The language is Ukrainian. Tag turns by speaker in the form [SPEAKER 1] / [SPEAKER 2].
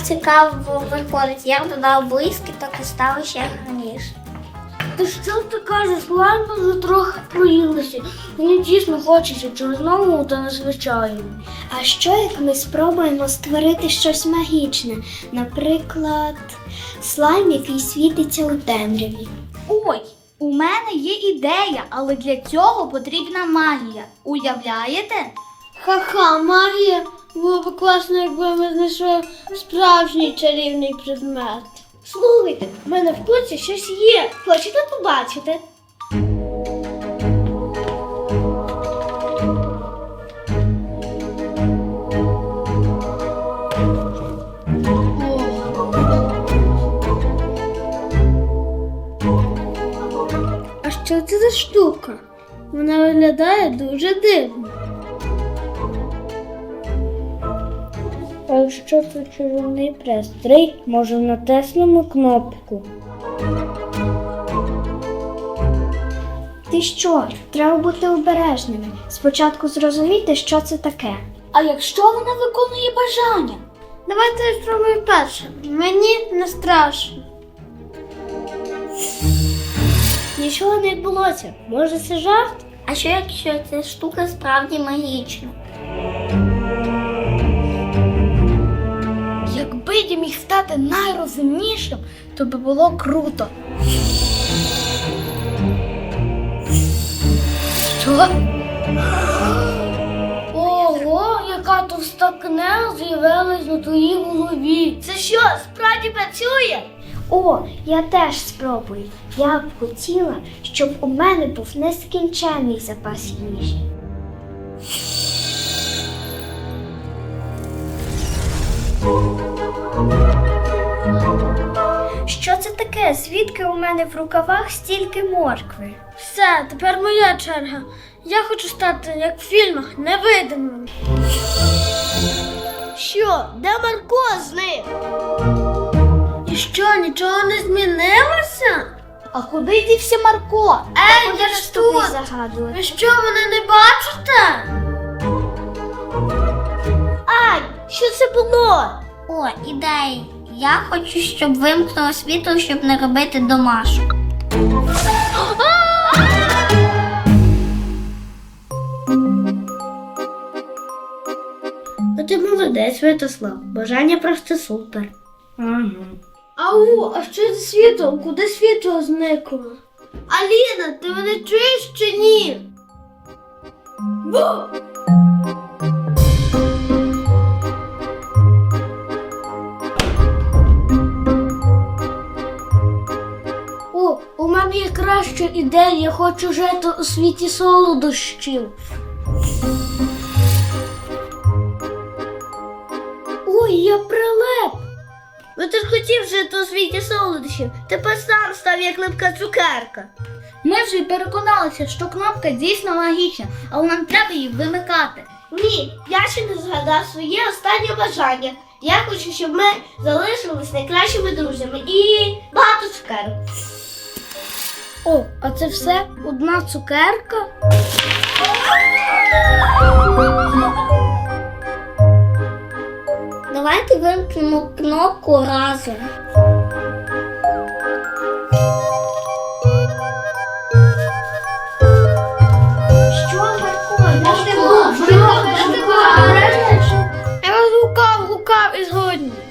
[SPEAKER 1] цікаво виходить. Я додав блискіток і стало ще гарніше.
[SPEAKER 2] Та що ти кажеш, слайм вже трохи проїлися. Мені дійсно хочеться чогось нового та незвичайного.
[SPEAKER 3] А що як ми спробуємо створити щось магічне? Наприклад, слайм, який світиться у темряві.
[SPEAKER 4] Ой, у мене є ідея, але для цього потрібна магія. Уявляєте?
[SPEAKER 2] Ха-ха, магія. Було б класно, якби ми знайшли справжній чарівний предмет. Слухайте, в мене в курсі щось є. Хочете побачити? А що це за штука? Вона виглядає дуже дивно. А якщо це чарівний пристрій, може натиснемо кнопку.
[SPEAKER 3] Ти що? Треба бути обережними. Спочатку зрозуміти, що це таке.
[SPEAKER 4] А якщо вона виконує бажання?
[SPEAKER 2] Давайте я спробую перше. Мені не страшно. Нічого не відбулося. Може, це жарт?
[SPEAKER 1] А що якщо ця штука справді магічна?
[SPEAKER 4] Якби я міг стати найрозумнішим, то би було круто. Що?
[SPEAKER 2] Ого, яка товста книга з'явилась на твоїй голові. Це що, справді працює?
[SPEAKER 3] О, я теж спробую. Я б хотіла, щоб у мене був нескінченний запас їжі. Що це таке? Звідки у мене в рукавах стільки моркви?
[SPEAKER 2] Все, тепер моя черга. Я хочу стати, як в фільмах, невидимим. Що, де Марко зник? І що, нічого не змінилося?
[SPEAKER 4] А куди дівся Марко?
[SPEAKER 2] Я ж тут.
[SPEAKER 3] Загадувати.
[SPEAKER 2] Ви що, мене не бачите? Ай, що це було?
[SPEAKER 1] О, ідея. Я хочу, щоб вимкнуло світло, щоб не робити домашок.
[SPEAKER 2] Ти молодець, Святослав. Бажання просто супер. Ау, а що це світло? Куди світло зникло? Аліна, ти мене чуєш чи ні? О, у мене є краща ідея. Я хочу жити у світі солодощів. Ой, я прилеп. Ну ти ж хотів жити у світі солодощів. Тепер сам став як липка цукерка.
[SPEAKER 4] Ми вже й переконалися, що кнопка дійсно магічна, але нам треба її вимикати.
[SPEAKER 2] Ні, я ще не згадав своє останнє бажання. Я хочу, щоб ми залишились найкращими друзями і багато цукерок. О, а це все одна цукерка?
[SPEAKER 1] Давайте вимкнемо кнопку разом.
[SPEAKER 3] Що, Марко?
[SPEAKER 2] Я вас гукав і згодні.